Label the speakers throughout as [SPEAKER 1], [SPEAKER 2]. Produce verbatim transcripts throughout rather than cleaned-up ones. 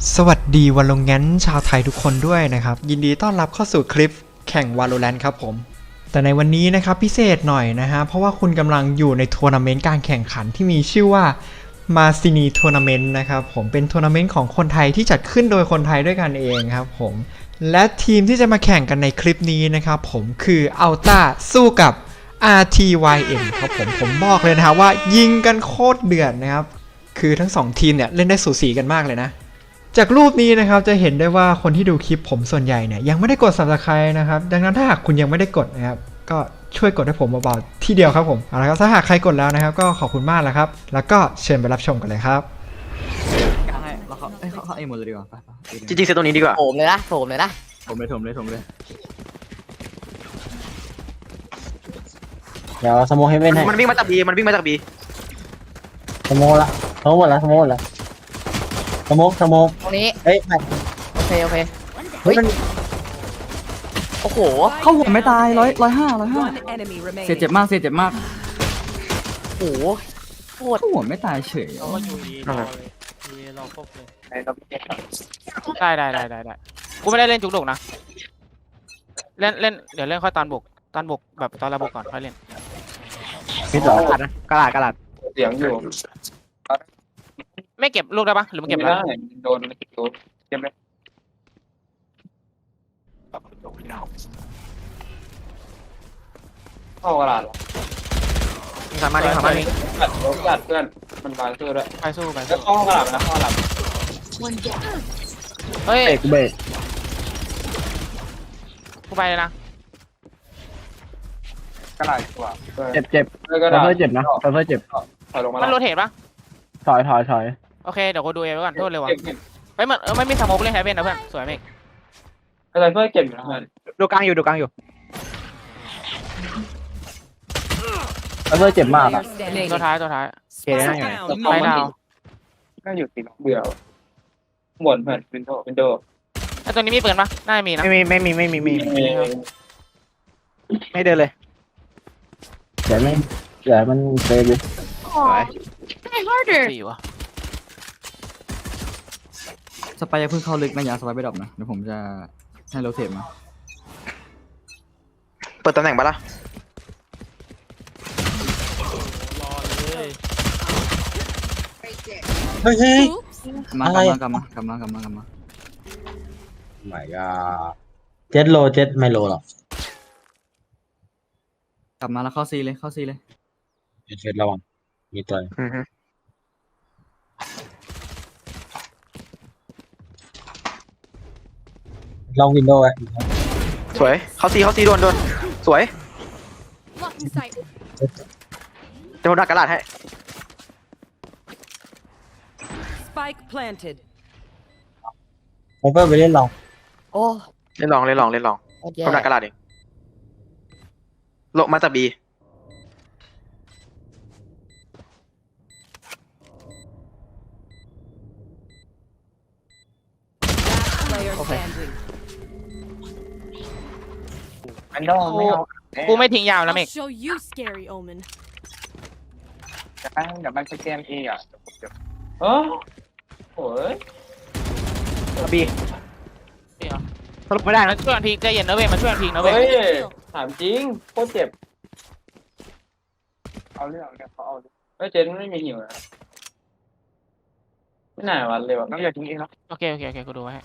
[SPEAKER 1] สวัสดีวันลงงั้นชาวไทยทุกคนด้วยนะครับยินดีต้อนรับเข้าสู่คลิปแข่ง Valorant ครับผมแต่ในวันนี้นะครับพิเศษหน่อยนะฮะเพราะว่าคุณกำลังอยู่ในทัวร์นาเมนต์การแข่งขันที่มีชื่อว่ามาซินีทัวร์นาเมนต์นะครับผมเป็นทัวร์นาเมนต์ของคนไทยที่จัดขึ้นโดยคนไทยด้วยกันเองครับผมและทีมที่จะมาแข่งกันในคลิปนี้นะครับผมคือ Alta สู้กับ อาร์ ที วาย เอ็ม ครับผมผมบอกเลยนะครับว่ายิงกันโคตรเดือดนะครับคือทั้งสองทีมเนี่ยเล่นได้สูสีกันมากเลยนะจากรูปนี้นะครับจะเห็นได้ว่าคนที่ดูคลิปผมส่วนใหญ่เนี่ยยังไม่ได้กด ซับสไครบ์ นะครับดังนั้นถ้าหากคุณยังไม่ได้กดนะครับก็ช่วยกดให้ผมเบาๆที่เดียวครับผมเอาละครับถ้าหากใครกดแล้วนะครับก็ขอบคุณมากแล้วครับแล้วก็เชิญไปรับชมกันเลยครับ
[SPEAKER 2] กลางให้เราเขาเอ้ยเขาเขาเองหมดเลยดีกว่าไปไป
[SPEAKER 3] จริงๆเซตตรงนี้ดีกว่า
[SPEAKER 4] โถมเลยนะโถมเลยนะ
[SPEAKER 2] ผมเลยผมเลยผมเลย
[SPEAKER 5] เดี๋ยวสโมกให้เว้นให้
[SPEAKER 3] มันวิ่งมาจากบีมันวิ่งมาจากบี
[SPEAKER 5] สโมกละสโมกหมดละสโมกหมดละสโมกสโมก
[SPEAKER 4] ตรงนี้
[SPEAKER 5] เอ้ยไม่
[SPEAKER 4] โอเคโอเค
[SPEAKER 5] เฮ้ยมัน
[SPEAKER 4] โอ้โห
[SPEAKER 2] เข้าหัวไม่ตายร้อยร้อยห้าร้อยห้า
[SPEAKER 6] One enemy
[SPEAKER 2] เสีย
[SPEAKER 6] remaining.
[SPEAKER 2] เจ็บมากเสียเจ็บมาก
[SPEAKER 4] โอ้โหโคตร
[SPEAKER 2] เข้าหัวไม่ตายเฉย
[SPEAKER 7] เราก็อยู่ดีรอเลยดีรอครบเลยได้ได้ได้ได้ได้กูไม่ได้เล่นจุกดกนะเล่นเล่นเดี๋ยวเล่นค่อยตอนบกตอนบกแบบตอนระบบก่อนค่อยเล่น
[SPEAKER 5] พิษเหรอก
[SPEAKER 4] ระดาษนะกระดาษกระดาษ
[SPEAKER 8] เสียงอยู่
[SPEAKER 7] ไม่เก็บลูกได้ปะหรือมันเก็บ
[SPEAKER 8] ไม่
[SPEAKER 7] แล้ว
[SPEAKER 8] ได้โดนโดนเจ็บไหมเข้ากระดาษ
[SPEAKER 3] ยิงสามารถยิงสามารถยิง
[SPEAKER 8] กัดรถกัดเพื่อนมันบางเพื่อนด้วย
[SPEAKER 7] ไปสู้ไป
[SPEAKER 8] แล้ว
[SPEAKER 7] สู้
[SPEAKER 8] เข้ากระดาษนะเข้ากระดาษ
[SPEAKER 7] เฮ้ย
[SPEAKER 5] เบรกเบรก
[SPEAKER 7] กูไปเลยนะ
[SPEAKER 8] กระดาษกว่า
[SPEAKER 5] เจ็บเจ็บ
[SPEAKER 8] เลยกระ
[SPEAKER 5] เซ
[SPEAKER 8] ดาษ
[SPEAKER 5] ฟเฟอร์เจ็บนะเซฟเฟอร์เจ็บ
[SPEAKER 8] ถอยลงมา
[SPEAKER 7] มันโรเทตปะ
[SPEAKER 5] ถอยถอยถอย
[SPEAKER 7] โอเคเดี๋ยวกูดูเองไว้ก่อนโทษเลยวะ
[SPEAKER 8] เก็บเก็บ
[SPEAKER 7] ไปเหมือนเออไม่มีสโมกเล่นแฮปเปนนะเพื่อนสวยไหม
[SPEAKER 8] อะไรเพื่อเก็บอยู่นะเพื่อน
[SPEAKER 3] ดูกลางอยู่ดูกลางอยู่
[SPEAKER 5] เซฟเฟอร์เจ็บมากอ่ะ
[SPEAKER 6] Player standing.
[SPEAKER 7] ตัวท้ายตัวท้าย
[SPEAKER 6] Spike
[SPEAKER 7] ไป
[SPEAKER 6] down.
[SPEAKER 7] ดาว
[SPEAKER 8] ก็อยู่ติดเบื่อหมดเพื่อนวินโดว์วินโดว์
[SPEAKER 7] ไอตัวนี้มีปืนปะน่าจะมีนะ
[SPEAKER 3] ไม่มีไม่มีไม่มีไม่มี
[SPEAKER 8] มี
[SPEAKER 3] ไม่เดินเลย
[SPEAKER 5] เดี๋ยวไม่เดี๋ยวมันเซฟดิ
[SPEAKER 3] สวย
[SPEAKER 7] สี่วะ
[SPEAKER 2] สไปยังเพิ่งเข้าลึกนะอย่าสไปไปดรอปนะเดี๋ยวผมจะให้โรเทตมา
[SPEAKER 3] เปิดตำแหน่งปะล่ะ
[SPEAKER 7] รอเลย
[SPEAKER 5] เฮ้ยเฮ้ย
[SPEAKER 2] มาก
[SPEAKER 5] อะไร
[SPEAKER 2] ลับมากลับมากลับมากลับมากลับมา
[SPEAKER 5] ไม่ก็เจ็ดโลเจ็ดไม่โลหรอก
[SPEAKER 2] กลับมาแล้วเข้าซีเลยเข้าซีเลย
[SPEAKER 5] เจ็ดระวังมีตัว
[SPEAKER 3] อือฮึ
[SPEAKER 5] ลองวินโดว์ไว้
[SPEAKER 3] สวยเข้าซีเข้าซีโดนโดนสวยจะโดนดักกระดาษให้
[SPEAKER 6] Spike planted.
[SPEAKER 5] เซฟเฟอร์ไปเล่นลอง
[SPEAKER 4] โอ้
[SPEAKER 3] เล่นลองเล่นลองเล่นลอง
[SPEAKER 4] โคตรแย่
[SPEAKER 3] โดนดักกระดาษเองลงมาจากบี
[SPEAKER 6] Player standing.
[SPEAKER 8] วินโดว์ไม่เอา
[SPEAKER 7] กูไม่ทิ้งยาวนะเมก
[SPEAKER 6] show you scary omen.
[SPEAKER 8] จะไปเดี๋ยวมันจะเกมเองอ่ะเออโอ้ย
[SPEAKER 3] บี
[SPEAKER 7] นี่เหรอ
[SPEAKER 3] สรุปไม่ได้
[SPEAKER 7] มั
[SPEAKER 3] นะ
[SPEAKER 7] นช่วยกันพีกใจเย็นนะเว้ยมันช่วยกันพีกนะเว้ย
[SPEAKER 8] เฮ้ยถามจริงโคตรเจ็บเอาเรื่องเนี่ยเขาเอาเฮ้ยเจนไม่มีหิวนะไม่น่าวันเลยว่ะ
[SPEAKER 3] น้องอย่าทิ้งเองนะ
[SPEAKER 7] โอเคโอเคโอเคกูดูไว้ให้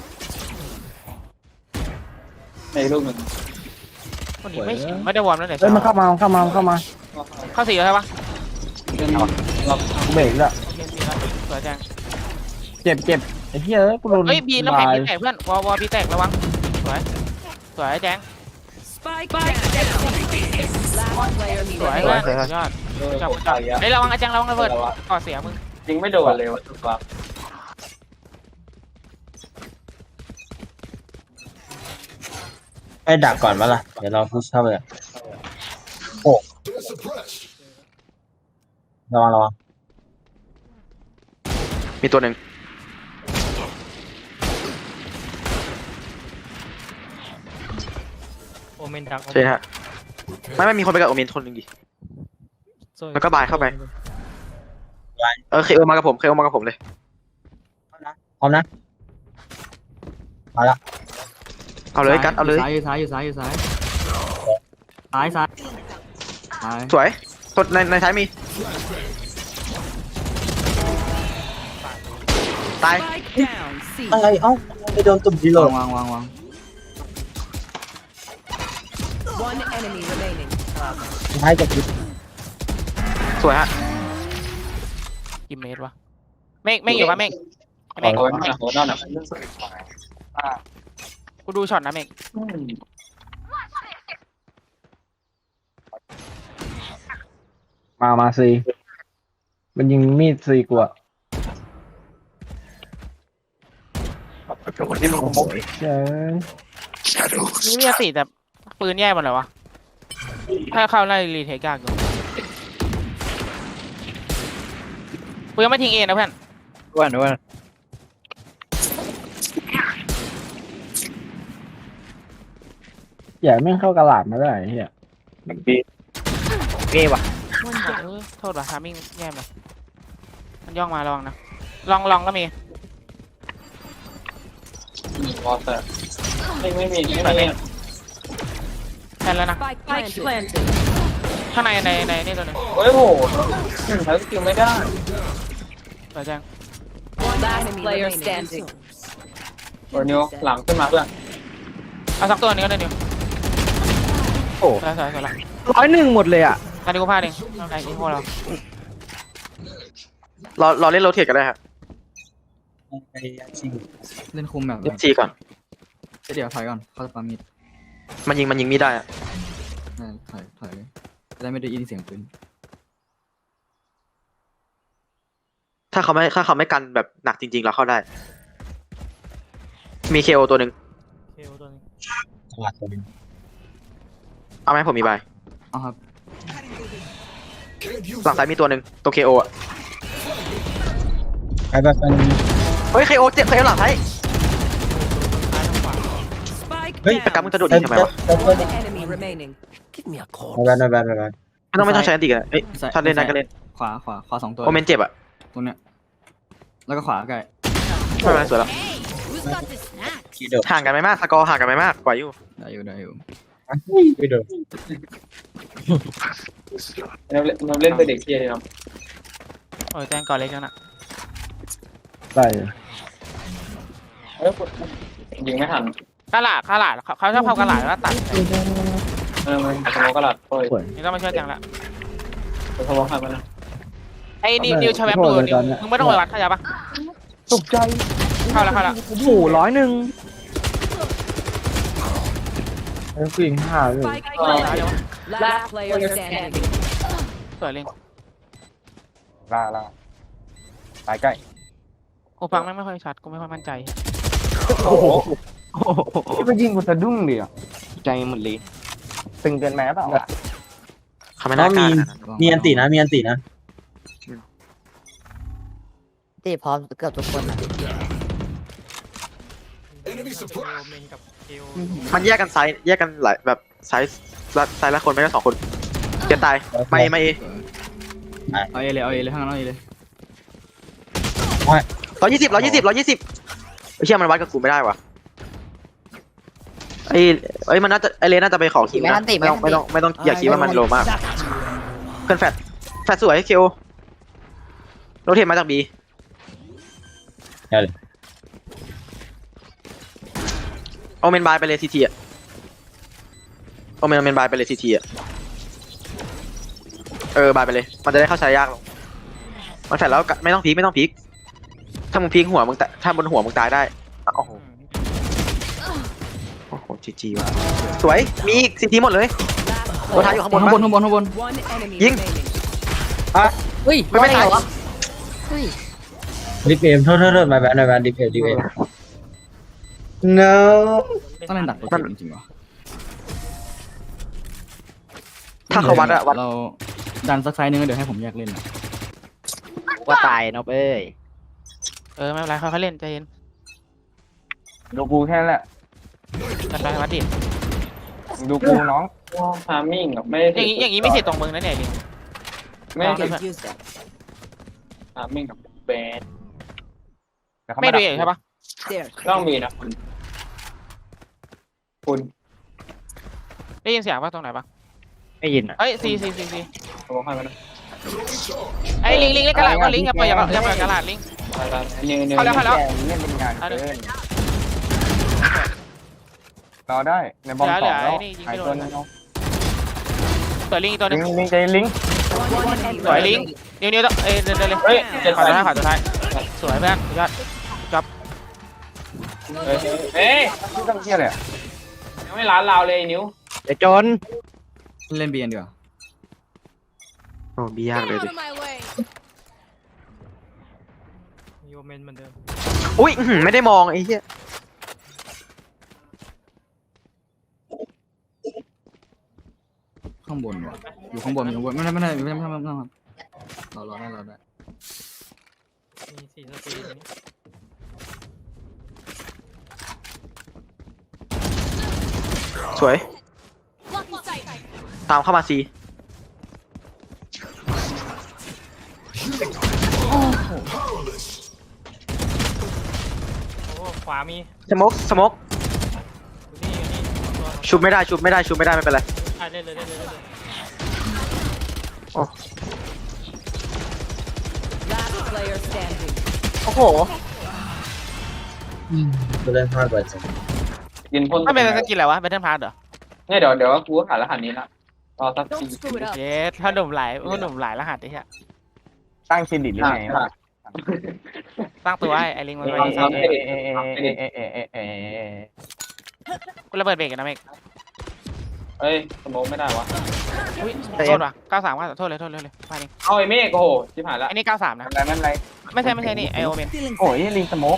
[SPEAKER 8] ในรูปมัน
[SPEAKER 7] คนนี้ไม่ไม่ได้วอร์มแล้วเดี๋ยว
[SPEAKER 5] เฮ้ยมันเข้ามามันเข้ามามันเข้ามา
[SPEAKER 7] เข้าสี่แล้วใช่ปะ
[SPEAKER 8] เป็นเรา
[SPEAKER 5] เบรกแล้ว
[SPEAKER 7] โอเคสี่แล้วสวยจัง
[SPEAKER 5] เจ็บเจ็บไอ้เหี้ยเอ้ยกูโดน
[SPEAKER 7] เฮ้ยบีน้ำแข็ง
[SPEAKER 5] บาย
[SPEAKER 7] บีแตกเพื่อนวอลวอลบีแตกระวังสวยสวยแจ้ง
[SPEAKER 6] Spike down. Last player
[SPEAKER 7] สวย
[SPEAKER 6] standing.
[SPEAKER 7] เพื่อนสุดยอด
[SPEAKER 8] เออ
[SPEAKER 7] จับ
[SPEAKER 8] ผม
[SPEAKER 7] จับ
[SPEAKER 8] ตายอ่ะ
[SPEAKER 7] เฮ้ยระวังอาจังระวังระเบิดก่อเสียมึง
[SPEAKER 8] จริงไม่โดนเลยวะถูกปะ
[SPEAKER 5] ไอ้ดักก่อนมาล่ะเดี๋ยวเราพุชเข้าไปเลยโอ้ระวังระวัง
[SPEAKER 3] มีตัวหนึ่ง
[SPEAKER 7] โอเมนดัก
[SPEAKER 3] ใช่ฮะไม่ไม่มีคนไปกับโอเมนคนหนึ่งดิแล้วก็บายเข้าไปเออเคโอมากับผมเคโอมากับผมเลย
[SPEAKER 5] พร้อมนะมาละ
[SPEAKER 3] เอาเลยกัดเอาเลย
[SPEAKER 2] ซ้ายอยู่ซ้ายอยู่ซ้ายอยู่ซ้ายซ้ายซ้ายซ้าย
[SPEAKER 3] สวยสดในในท้ายมีตาย
[SPEAKER 6] Spike down. C.
[SPEAKER 5] อะไรเอ้าไปโดนตุ่มดีโหล
[SPEAKER 2] วา
[SPEAKER 5] ด
[SPEAKER 2] งวางวางวาง
[SPEAKER 6] One enemy remaining.
[SPEAKER 5] ท้ายกับพิษ
[SPEAKER 3] สวยฮะ
[SPEAKER 7] กี่เมตรวะเมฆเมฆอยู่ปะเมฆไอ้เมฆ
[SPEAKER 8] โอ้ยโหนั่นน่ะอ่า
[SPEAKER 7] กูดูช็อตนะเมฆ
[SPEAKER 9] มามาซีมันยิงมีดซีกูอะเจ้ย
[SPEAKER 7] นี่มีสี่แต่ปืนแย่หมดเลยวะถ้าเข้าไล่รีเทคยากอยู่กูยังไม่ทิ้งเองนะเพื่อน
[SPEAKER 4] อ้วนอ้วน
[SPEAKER 9] อย่าแม่งเข้ากระหลาดมาได้ไอ้เฮีย
[SPEAKER 4] เก้ว่ะ
[SPEAKER 7] เออโทษว่ะทามิ่งแย่เลยมันย่องมาระวังนะลองลองก็มี
[SPEAKER 8] วอเตอร์ไม่ไม่มีไม่มี
[SPEAKER 7] แทนแล้วนะ
[SPEAKER 6] Spike planted.
[SPEAKER 7] ข้างในในในนี่ตัวหนึง
[SPEAKER 8] โอ้ยโหใช้สกิลไม่ได้
[SPEAKER 7] เปิดแจ้ง
[SPEAKER 6] Last player standing.
[SPEAKER 8] โอ้ยนิวหลังขึ้นมาเพื่อน
[SPEAKER 7] เอาสักตัวหนึงก็ได้นิว
[SPEAKER 4] โอ้
[SPEAKER 7] สวยสวยสวยละ
[SPEAKER 4] ร้อยหนึ่งหมดเลยอ่ะ
[SPEAKER 7] ตอนนี้กูพลาดเองเอาไอ้อีโม่เรา
[SPEAKER 3] รอรอเล่นโรเทตกันได้ครับ
[SPEAKER 5] ไปชิง
[SPEAKER 2] เล่นคุมแบบ
[SPEAKER 3] เล่นซีก่อน
[SPEAKER 2] เดี๋ยวถอยก่อนเข้าสปามิด
[SPEAKER 3] มันยิงมันยิงมีได้อะ
[SPEAKER 2] ถอยถอยจะได้ไม่ได้ยินเสียงปืน
[SPEAKER 3] ถ้าเขาไม่ถ้าเขาไม่กันแบบหนักจริงๆเราเข้าได้ มีเคโอตัวหนึ่ง
[SPEAKER 7] เคโอตัวนึง
[SPEAKER 5] ตลาดตัวนึง
[SPEAKER 3] เอาไหมผมมีใบ
[SPEAKER 2] เอาครับ
[SPEAKER 3] หลังซ้ายมีตัวหนึ่งตัวเคโออะ
[SPEAKER 5] ใครแบบเป็น
[SPEAKER 3] เฮ้ยเคโอเจ็บเคโอหลังซ้าย
[SPEAKER 6] Spike
[SPEAKER 3] เฮ้ยประกันมึง
[SPEAKER 6] down.
[SPEAKER 3] จะโดด
[SPEAKER 5] เต้
[SPEAKER 3] ยิ
[SPEAKER 5] น
[SPEAKER 3] งทำไม
[SPEAKER 5] เต้น
[SPEAKER 3] วะ
[SPEAKER 5] เต้นเต้น
[SPEAKER 6] One enemy remaining.
[SPEAKER 5] ไม่แบนไม่แบนไม่แบน
[SPEAKER 3] ไม่ต้องไม่ต้องใช้อันติกันเอ้ย
[SPEAKER 2] ซ้าย
[SPEAKER 3] ถ้าเล่นได้ก็เล่น
[SPEAKER 2] ขวาขวาขวาสองตัว
[SPEAKER 3] โอเมนเจ็บอะ
[SPEAKER 2] ตัวเนี้ยแล้วก็ขวาใกล้
[SPEAKER 3] ไม่เป็นไรสวยแล้ว
[SPEAKER 5] คีโดด
[SPEAKER 3] ห่างกันไม่มากสกอร์ห่างกันไม่มากไหวอยู่
[SPEAKER 2] ได้อยู่ได้อยู่
[SPEAKER 5] ไม่โดด
[SPEAKER 8] เราเล่นเราเล่นเป็นเด็กเกียร์เลยเนาะ
[SPEAKER 7] โอ้ยแจ้งก่อนเล็กแล้วน่ะ
[SPEAKER 9] ได้
[SPEAKER 8] เอ้ยยิงไม่ทัน
[SPEAKER 7] กระหลาดกระหลาดเขาเขาชอบเข้ากระหลาดแล้วตัด
[SPEAKER 8] เออมันสโมกระดาษโอ้ย
[SPEAKER 7] นี่ต้องมาช่วยแจ้งละ
[SPEAKER 8] สโมกหันมานะ
[SPEAKER 7] ไอ้นิวนิวชาแวบดูนิวมึงไม่ต้องไปวัดขยับปะ
[SPEAKER 9] ตกใจ
[SPEAKER 7] เข้าแล้วเข้าแล้ว
[SPEAKER 4] โอ้โหร้อยหนึ่ง
[SPEAKER 9] ไอ้ผู้หญิงห้าเลย
[SPEAKER 6] Spike planted. Last player standing.
[SPEAKER 7] สวยเล่น
[SPEAKER 9] ลาลาไปใกล้
[SPEAKER 7] กูฟังแม่งไม่ค่อยชัดกูไม่ค่อยมั่นใจ
[SPEAKER 9] โอ้โหที่มันยิงกูสะดุ้งเลยอ่ะใจหมดเลยตึงเกินไปหรือเปล่า
[SPEAKER 3] เขาไม่น่ากล้าขนาดนั้น
[SPEAKER 5] มีอันตีนะมีอันตีนะ
[SPEAKER 4] ตีพร้อมเกือบทุกคนอ่ะ
[SPEAKER 3] มันแยกกันไซส์แยกกันหลายแบบไซส์ละไซส์ละคนไม่ก็สองคนเกียร์ตายไม่ไม่เอ
[SPEAKER 2] เอาเอเลยเอาเอเลยข้างนั้นเอาเอเลย
[SPEAKER 3] ร้อยยี่สิบร้อยยี่สิบร้อยยี่สิบไอ้เชี่ยมันวัดกับกูไม่ได้วะไอ้ไอ้ยมันน่าจะไอเลนน่าจะไปขอคิวนะไม่ต้องไม่ต้องไม่ต้องอย่าคิดว่ามันโลมากเพื่อนแฟดแฟดสวยคิวโรเทตมาจากบีโอเมนบายไปเลยทีทีอะโอเมนโอเมนบายไปเลยทีทีอะเออบายไปเลยมันจะได้เข้าใช้ยากลงมันแฟดแล้วไม่ต้องพีคไม่ต้องพีคถ้ามึงพีคหัวมึงตถ้าบนหัวมึงตายได้โอ้โหโอ้โหจีจีว่ะสวยมีอีกสิทีหมดเลยตัวท้ายอยู่ข้างบน
[SPEAKER 2] ข้างบน
[SPEAKER 3] ปะ
[SPEAKER 2] ข้างบนข้างบน
[SPEAKER 6] One enemy
[SPEAKER 3] Ying.
[SPEAKER 6] remaining.
[SPEAKER 4] เฮ้ย
[SPEAKER 3] ไม่ไม่ตาย
[SPEAKER 4] เหรอเฮ้ย
[SPEAKER 5] ดิฟเอมโทษโทษโทษไม่แบนไม่แบนดิฟเอมดิฟเอม no
[SPEAKER 2] ต้องเล่นดักตัวจริงๆวะ
[SPEAKER 3] ถ้าเขาวัดอะวัด
[SPEAKER 2] เราดันสักไซส์นึงแล้วเดี๋ยวให้ผมแยกเล่นนะ
[SPEAKER 4] ว่าตายเนาะเอ้ย
[SPEAKER 7] เออไม่เป็นไรค่อยๆเล่นใจเย็น
[SPEAKER 9] ดูกูแค่นั้นแหละ
[SPEAKER 7] กันไปวัดดิ
[SPEAKER 9] ดูกูน้อง
[SPEAKER 8] ทามิ่งอ่ะไม่
[SPEAKER 7] อย่างนี้อย่างนี้ไม่เสียตรงมึงนะเนี่ยดิ
[SPEAKER 8] ไม่
[SPEAKER 6] Could use that.
[SPEAKER 8] ทามิ่งกับแบน
[SPEAKER 7] ไม่ดูเองใช่ปะ
[SPEAKER 6] There.
[SPEAKER 8] ต้องมีนะคุณ
[SPEAKER 7] ได้ยินเสียงป่ะตรงไหนป่ะ
[SPEAKER 4] ไม่ยินอ่ะ
[SPEAKER 7] เฮ้ยซีซีซีซี
[SPEAKER 8] สมองให้มัน
[SPEAKER 7] ไอ้ลิงลิงเล่นกระดาษก็ลิงอย่าปล่อยอย่าปล่อยอย่าปล่อยกระดาษลิง
[SPEAKER 8] ไปไปนิวนิว
[SPEAKER 7] เข้าแล้วเข้าแล้ว
[SPEAKER 8] เล่นเป็นงานเกินรอได้ในบอลสองแล้วหายตัวนึงเอา
[SPEAKER 7] เปิดลิงอีกตัวหนึ
[SPEAKER 8] ลิ
[SPEAKER 7] ง
[SPEAKER 8] งลิงใจลิง
[SPEAKER 6] One enemy
[SPEAKER 7] สวยลิง
[SPEAKER 6] remaining.
[SPEAKER 7] นิ้วนิ้วต้องเอ้ยเดินเดินเลย
[SPEAKER 8] เฮ้ยเจ็ด
[SPEAKER 7] ขวา
[SPEAKER 8] ไป
[SPEAKER 7] สุดท้ายขวาสุดท้ายสวยเพื่อนสุดยอด
[SPEAKER 8] เฮ้ยเฮ้ยไม่ต้องเที่ยเลยยังไม่ร้านเราเลยนิ้ว
[SPEAKER 4] ไอ้จน
[SPEAKER 2] เล่นเบียนดีกว่า
[SPEAKER 3] โอ้บียากเลยดิ
[SPEAKER 7] โยเมนเหมือนเดิม
[SPEAKER 3] อุ้ยอื้อหือไม่ได้มองไอ้เหี้ย
[SPEAKER 2] ข้างบนว่ะอยู่ข้างบนอยู่ข้างบนไม่ได้ไม่ได้ไม่ได้ไม่ได้ไม่ได้ครับรอรอได้รอได้
[SPEAKER 7] มีสี่สตีน
[SPEAKER 3] สวย ตามเข้ามาซี
[SPEAKER 7] โอ้ขวามี
[SPEAKER 3] สโมกสโมก
[SPEAKER 7] นี่นี่ตัว
[SPEAKER 3] ชุบไม่ได้ชุบไม่ได้ชุบไม่ได้ไม่เป็นไร
[SPEAKER 7] อ่ะเล่นเลยเล่นเลยเล่นเลย
[SPEAKER 6] Last player standing.
[SPEAKER 4] โอ้โห
[SPEAKER 5] กูเล่นพลาดไปจัง
[SPEAKER 8] ยินพ่น
[SPEAKER 7] ไม่เป็นสกิลอะไรวะเบทเทิลพาร์ทเหรอ
[SPEAKER 8] เนี่ยเดี๋ยวเดี๋ยวกูหารหัสนี้ละรอสักที
[SPEAKER 6] Don't screw it up.
[SPEAKER 7] เย้ถ้าหนุ่มหลายถ้าหนุ่มหลายรหัสไอ้เหี้ย
[SPEAKER 9] ตั้งเครดิตหรือไง
[SPEAKER 7] ตั้งตัวไอ้ไอ้ลิงมัน
[SPEAKER 8] เอ
[SPEAKER 7] ไว้
[SPEAKER 8] เอ
[SPEAKER 7] สร้าง
[SPEAKER 8] เอ
[SPEAKER 9] เอเอเอเอเอเอเอ
[SPEAKER 7] กูระเบิดเบรกกันนะเมก
[SPEAKER 8] เฮ้ยสโมกไม่ได้วะ
[SPEAKER 7] อุ้ยโทษว่ะเก้าสามว่าโทษเลยโทษเลยเลยมาดิ
[SPEAKER 8] เอาไอ้เมฆโอ้โหชิบหายละ
[SPEAKER 7] ไอ้นี่เก้าสามนะ
[SPEAKER 8] อะไรนั่นอะไร
[SPEAKER 7] ไม่ใช่ไม่ใช่นี่ไอโอเมน
[SPEAKER 9] โอ้ยลิงสโมก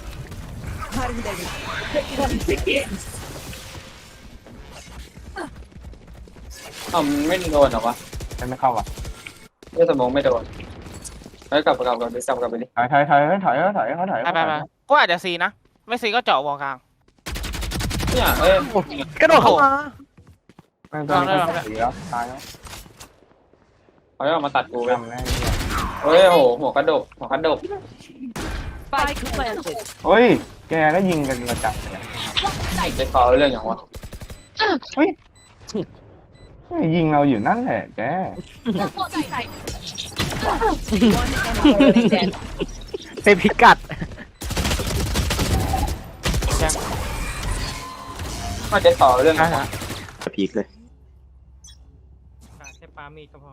[SPEAKER 8] เอ้ามันไม่โดนหรอวะ
[SPEAKER 9] ไม่เข้าอ่ะ
[SPEAKER 8] เรื่องสโมกไม่โดนเฮ้ยกลับกลับกลับไปกลับกลับไปดิ
[SPEAKER 9] ถอยถอยถอยถอยถอยเขาถอย
[SPEAKER 7] ไปไปไปก็อาจจะซีนะไม่ซีก็เจาะวอลกลาง
[SPEAKER 8] เนี่ยเอ้ย
[SPEAKER 4] กระโดดเข้ามา
[SPEAKER 9] ไม่ต้องไม่เสียตายแล้ว
[SPEAKER 8] เขาจะมาตัดกูไป
[SPEAKER 9] ทำแน่
[SPEAKER 8] เฮ้ยโหหัวกระดกหัวกระดก
[SPEAKER 6] Spike planted.
[SPEAKER 9] เฮ้ยแกก็ยิงกันกระจับเลย
[SPEAKER 8] จะขอเรื่องอย่างวะ
[SPEAKER 9] ยิงเราอยู่นั่นแหละแก
[SPEAKER 6] One enemy remaining.
[SPEAKER 4] เป็นพิกัด
[SPEAKER 8] ก็จะขอเรื่องอย่างวะ
[SPEAKER 3] จะพีกเลย
[SPEAKER 7] แค่ปามีก็พอ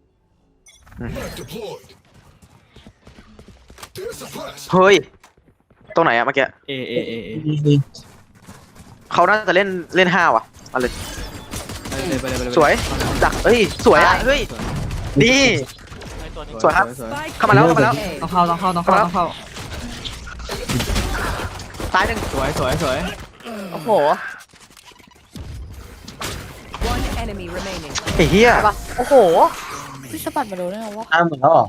[SPEAKER 3] เฮ้ยตรงไหนอะเมื่อกี้
[SPEAKER 2] เอเอเอเอ
[SPEAKER 3] เขาน่าจะเล่นเล่นห้าว่ะมาเลย
[SPEAKER 2] ไปเลยไปเลยไปเลย
[SPEAKER 3] สวยดักเฮ้ยสวยอะเฮ้ยนี่
[SPEAKER 7] ไอตัวนี้
[SPEAKER 3] สวยครับ
[SPEAKER 2] สวย
[SPEAKER 6] Spike
[SPEAKER 3] เข้ามาแล้วเข้ามาแล้ว
[SPEAKER 6] A.
[SPEAKER 2] ต้องเข้าต้องเข้าต้องเข้าต้องเข้า
[SPEAKER 3] ซ้ายหนึ่ง
[SPEAKER 2] สวยสวยสวย
[SPEAKER 4] โอ้โห
[SPEAKER 6] One enemy remaining.
[SPEAKER 3] ไอ้เหี้ย
[SPEAKER 4] ปะโอ้โหพี่สะบัดมาโดนได้ไงวะ
[SPEAKER 5] อ้ามหมดแล้วเหรอ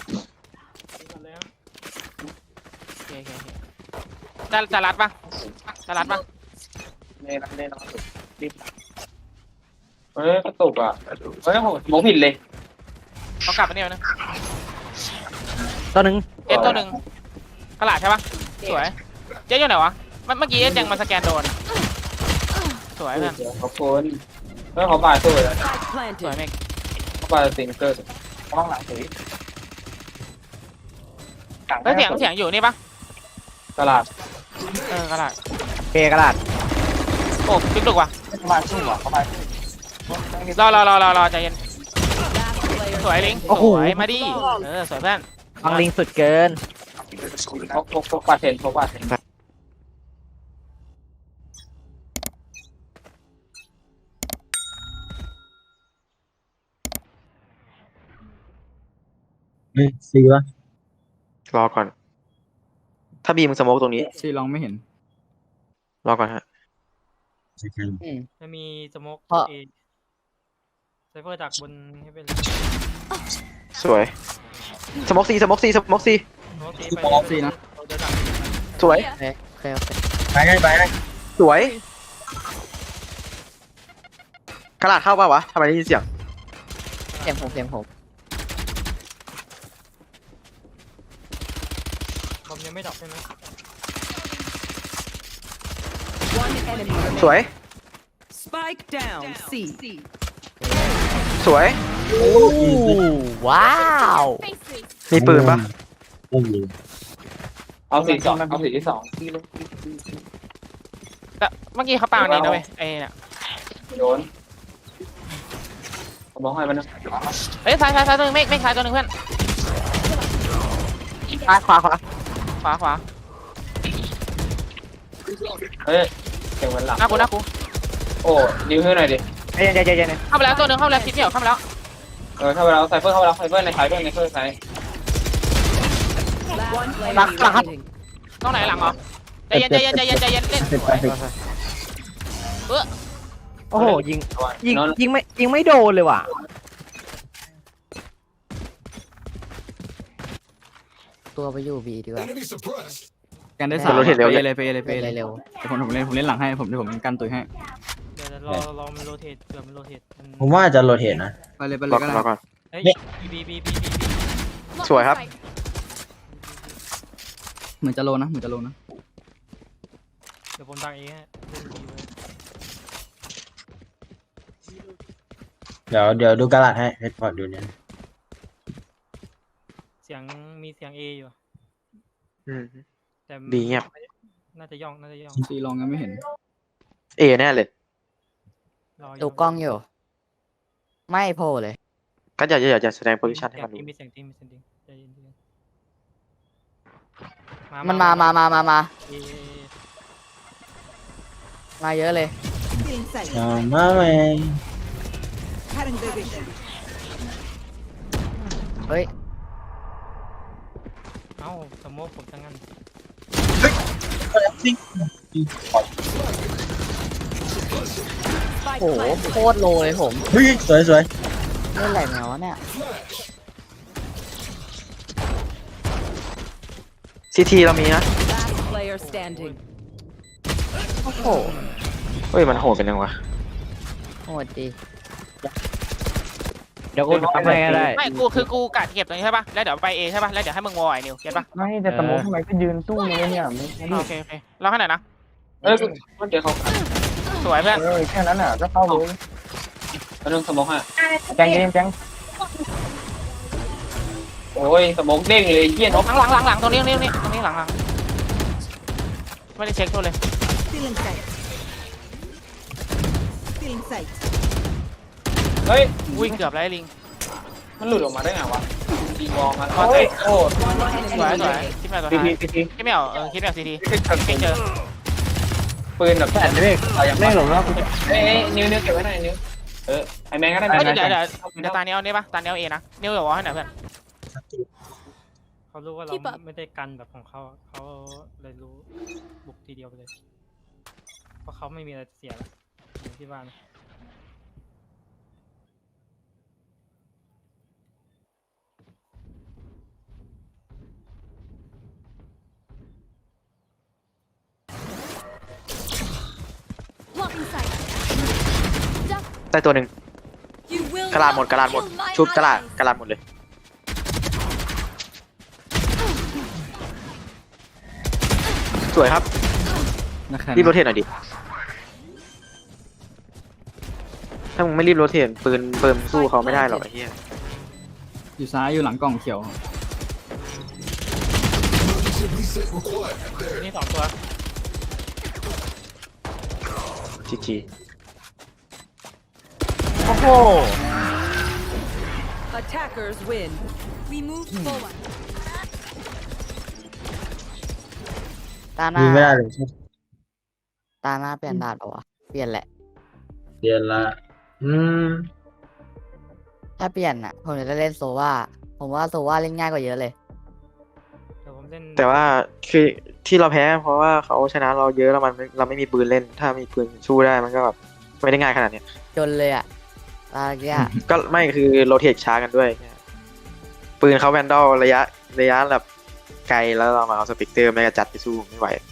[SPEAKER 7] โอเคโอเคโอเคจะจะรัดปะจะรัดปะ
[SPEAKER 8] เล่นเล่นนอนรีบเฮ้ยกระตุกอ่ะเฮ้ยโหสโมกผิดเลย
[SPEAKER 7] เขากลับไปเนี่ยนะ
[SPEAKER 4] ตัวหนึ่ง
[SPEAKER 7] เจ็ดตัวหนึ่งกระหลาดใช่ปะสวยเจ๊อยู่ไหนวะเมื่อเมื่อกี้เจ๊ยังมาสแกนโดนสวยเพื่อน
[SPEAKER 8] ขอบคุณเฮ้ยขอบายสู้เลย
[SPEAKER 6] Spike
[SPEAKER 7] สวย
[SPEAKER 6] planted.
[SPEAKER 7] เมก
[SPEAKER 8] ขอบายสิงเกอร์
[SPEAKER 9] ต้องหลังสี
[SPEAKER 7] เฮ้ยเสียงเสียงอยู่นี่ปะ
[SPEAKER 8] ตลาด
[SPEAKER 7] เออกระหลาด
[SPEAKER 4] เกกระดาษ
[SPEAKER 7] โอ้จุกจุกว่ะ
[SPEAKER 9] เข้ามาสู้อ่ะเข้ามา
[SPEAKER 7] รอรอรอรอรอใจเย็น
[SPEAKER 6] Last player
[SPEAKER 7] สวยลิง
[SPEAKER 4] โอ้
[SPEAKER 7] ส
[SPEAKER 4] โห
[SPEAKER 7] วยมาดิเออสวยเพื่อน
[SPEAKER 4] ฟังลิงสุดเกิน
[SPEAKER 8] พกพกพกปาเทนพกปาเทน
[SPEAKER 5] เฮ้ยซีวะ
[SPEAKER 3] รอก่อน ถ้าบีมึงสโมกตรงนี้
[SPEAKER 2] ซีลองไม่เห็น
[SPEAKER 3] รอก่อนฮะ
[SPEAKER 5] ใช่ใช่
[SPEAKER 7] จะมีสโมก
[SPEAKER 4] เพราะ
[SPEAKER 7] เอไซเฟอร์จากบนให้เป็น
[SPEAKER 3] สวยสโมกซีสโมกซีสโมกซี
[SPEAKER 7] สโมกตี
[SPEAKER 2] ซี
[SPEAKER 7] ไป
[SPEAKER 2] ปอกซีนะ
[SPEAKER 7] เราเดินหลัง
[SPEAKER 3] สวย
[SPEAKER 4] โอเคโอเคโอเค
[SPEAKER 5] ไปได้ไปได้
[SPEAKER 3] สวยกระดาษเข้าป่าวะทำไมได้ยินเสียง
[SPEAKER 4] เสียงผมเสียงผม
[SPEAKER 7] บอมยังไม่ดรอปใช่ไหม
[SPEAKER 6] One enemy
[SPEAKER 3] สวย
[SPEAKER 6] remaining. Spike down. C.
[SPEAKER 3] สวย
[SPEAKER 4] ว้าว
[SPEAKER 3] มีปืนปะ
[SPEAKER 5] ไม่มี
[SPEAKER 8] เอาสี่สองเอาสี่ที่สอง
[SPEAKER 7] แต่เมื่อกี้เขาปาอันนี้นะเว้ยไอ้เนี่ย
[SPEAKER 8] โดนผมบอกให้มันนะ
[SPEAKER 7] เอ้ยซ้ายซ้ายซ้ายตัวหนึงเมฆเมฆซ้ายตัวหนึงเพื่อน
[SPEAKER 4] ซ้ายขวาขวา
[SPEAKER 7] ขวาขวา
[SPEAKER 8] เฮ้ยเสียงมันหลัง
[SPEAKER 7] หน้ากูหน้ากู
[SPEAKER 8] โอ้นิ้วให้หน่อยดิ
[SPEAKER 4] เย็นเย็นเย็นเย็น
[SPEAKER 7] เข้าไปแล้วตัวหนึงเข้าไปแล้วคิดไม่ออกเข้าไปแล้ว
[SPEAKER 8] เออเข้าไปแล้วไซเฟอร์เข้าไปแล้วไซเฟอร์ในไซเฟอร์ในไซเฟอร์ไซ
[SPEAKER 6] One enemy remaining.
[SPEAKER 7] ต้องไหนหลังเหรอใจเย็นใจเย็นใจเย็นใจเย็นเล่น
[SPEAKER 5] สิบแปดสิบ
[SPEAKER 4] โอ้โหยิงยิงยิงไม่ยิงไม่โดนเลยว่ะตัวไปอยู่บีดีกว่า
[SPEAKER 2] กันได้สาม
[SPEAKER 3] โรเทตเร็ว
[SPEAKER 2] ไป
[SPEAKER 3] เลย
[SPEAKER 2] เลยไปเลยไปเลย
[SPEAKER 4] เร็ว
[SPEAKER 2] เดี๋ยวผมผมเล่นผมเล่นหลังให้ผมเดี๋ยวผมกันตุยให้
[SPEAKER 7] เดี๋ยวรอรอมันโรเทตเผื่อมันโรเทต
[SPEAKER 5] ผมว่าจะโรเทตนะ
[SPEAKER 2] ไปเลยไปเล
[SPEAKER 3] รอย
[SPEAKER 2] ก็ได้
[SPEAKER 3] รอก่อน
[SPEAKER 7] เฮ้ยบีบีบีบี
[SPEAKER 3] สวยครับ
[SPEAKER 2] เหมือนจะโลนะเหมือนจะโลนะ
[SPEAKER 7] เดี๋ยวผมดังเองฮะ
[SPEAKER 5] เดี๋ยวเดี๋ยวดูกระดาษให้เฮดพอร์ตดูเนี่ย
[SPEAKER 7] เสียงมีเสียงเออยู่
[SPEAKER 3] อืม
[SPEAKER 7] แต่
[SPEAKER 3] บีเงียบ
[SPEAKER 7] น่าจะย่องน่าจะย่อง
[SPEAKER 2] ซีลองยังไม่เห็น
[SPEAKER 3] เอแน่เลย
[SPEAKER 7] รอ
[SPEAKER 4] ดูกล้องอยู่ ไม่โผล่เลย
[SPEAKER 3] ก็อย่าอย่าอย่าแสดงโพซิชันให้
[SPEAKER 7] เสีย
[SPEAKER 3] มัน
[SPEAKER 7] ง
[SPEAKER 3] ดู
[SPEAKER 7] มีเสียงจริงมีเสียงจริงใจเย็นใจเย็น
[SPEAKER 4] มันมามามามามา
[SPEAKER 7] เอ
[SPEAKER 4] มาเยอะเลย
[SPEAKER 5] ชามาเมง
[SPEAKER 4] เฮ้ย
[SPEAKER 7] เอ้าสมมติผมทั้งนั้น
[SPEAKER 6] Spike
[SPEAKER 4] โอ้โห
[SPEAKER 6] planted.
[SPEAKER 4] โคตรโลเลยผม
[SPEAKER 5] เฮ้ยสวยสวย
[SPEAKER 4] เล่นอะไรแนวะเนี่ย
[SPEAKER 3] ซีทีเรามีนะ
[SPEAKER 6] Last player standing.
[SPEAKER 4] โอ้โห
[SPEAKER 3] เฮ้ยมันโหดเป็นยังวะ
[SPEAKER 4] โหดดี
[SPEAKER 9] เดี๋ยวกูทำให้ก็ได้
[SPEAKER 7] ไม่กูคือกูกะเก็บตรงนี้ใช่ป่ะแล้วเดี๋ยวไปเอใช่ป่ะแล้วเดี๋ยวให้มึงวอลไอ้นิวเก็ตป่ะ
[SPEAKER 9] ไม่แต่สมมติทำไมก็ยืนสู้เลยเนี่ยไม่ไม่
[SPEAKER 7] โอเคโอเคเราให้หน่อยนะ
[SPEAKER 8] เอ้ยมันเดี๋ยวเขา
[SPEAKER 7] สวยเพื่อน
[SPEAKER 9] เออแค่นั้นอ่ะก็เข้าเลย
[SPEAKER 8] เรื่องสมองฮะ
[SPEAKER 9] แจงเย็นแจง
[SPEAKER 8] โอ้ยสมองเด้งเลยเยี่ยนก
[SPEAKER 7] หลังหลังหลังหลังตรงนี้ตรงนี้ตรงนี้ตรงนี้หลังหลังไม่ได้เช็คตัวเลย
[SPEAKER 8] เฮ้ย
[SPEAKER 7] อุ้ยเกือบแล้วไอ้ลิง
[SPEAKER 8] มันหลุดออกมาได้ไงวะดีมองมาโอ้ยโอ้
[SPEAKER 7] สวยสวยคิดไม่เอาตัว
[SPEAKER 8] ที
[SPEAKER 7] ท้าย
[SPEAKER 8] ทีที
[SPEAKER 7] คิดไม่เอาเออคิดไม่เอาซีที
[SPEAKER 8] ที
[SPEAKER 7] ไม่เจอ
[SPEAKER 8] ปืนแบบ
[SPEAKER 9] แต่เด็กไม่หลงแล้ว
[SPEAKER 8] เอ้ยนิ้วนิ้วเก็บไว้หน่อยนิ้วเออไอแมงก็ได้
[SPEAKER 7] เฮ้ย
[SPEAKER 8] แมง
[SPEAKER 7] เดี๋ยวเดี๋ยวเดี๋ยวตาเนี้ยเอาเนี่ยป่ะตาเนี้ยเอาเอนะเนี้ยเดี๋ยววอลให้หน่อยเพื่อนเขารู้ว่าเราไม่ได้กันแบบของเขาเขาเลยรู้บุกทีเดียวไปเลยเพราะเขาไม่มีอะไรเสียแล้วอยู่ที่บ้าน
[SPEAKER 3] ได้ตัวหนึ่งกระลาดหมดกระลาดหมดชุบกระลาดกระลาดหมดเลยสวยครับ
[SPEAKER 2] นะครับ
[SPEAKER 3] รีบโรเทตหน่อยดิถ้ามึงไม่รีบโรเทตปืนปืนสู้เขาไม่ได้หรอกไอ้เหี้ย
[SPEAKER 2] อยู่ซ้ายอยู่หลังกล่องเขียว
[SPEAKER 7] นี่สองตัว
[SPEAKER 3] จีจี
[SPEAKER 4] โอ้โห
[SPEAKER 6] Attackers win. We move forward.
[SPEAKER 4] ตาหน้า
[SPEAKER 5] ยิงไม่ได้เลย
[SPEAKER 4] ตาหน้าเปลี่ยนดาดเปล่าวะเปลี่ยนแหละ
[SPEAKER 5] เดือนละอืม
[SPEAKER 4] ถ้าเปลี่ยนอ่ะ ผมจะเล่นโซวาผมว่าโซวาเล่นง่ายกว่าเยอะเลย
[SPEAKER 7] เดี๋ยวผมเล่น
[SPEAKER 3] แต่ว่าคือที่เราแพ้เพราะว่าเขาชนะเราเยอะแล้วมันเราไม่มีปืนเล่น ถ้ามีปืนสู้ได้มันก็แบบไม่ได้ง่ายขนาดเนี้ย
[SPEAKER 4] จนเลยอ่ะตาเกี้ย
[SPEAKER 3] ก็ไม่คือโรเทตช้ากันด้วย ปืนเขาแวนดอลระยะระยะแบบไกลแล้วเรามาเอาสปิกเตอร์ไม่กระจัดไปสู้ไม่ไหว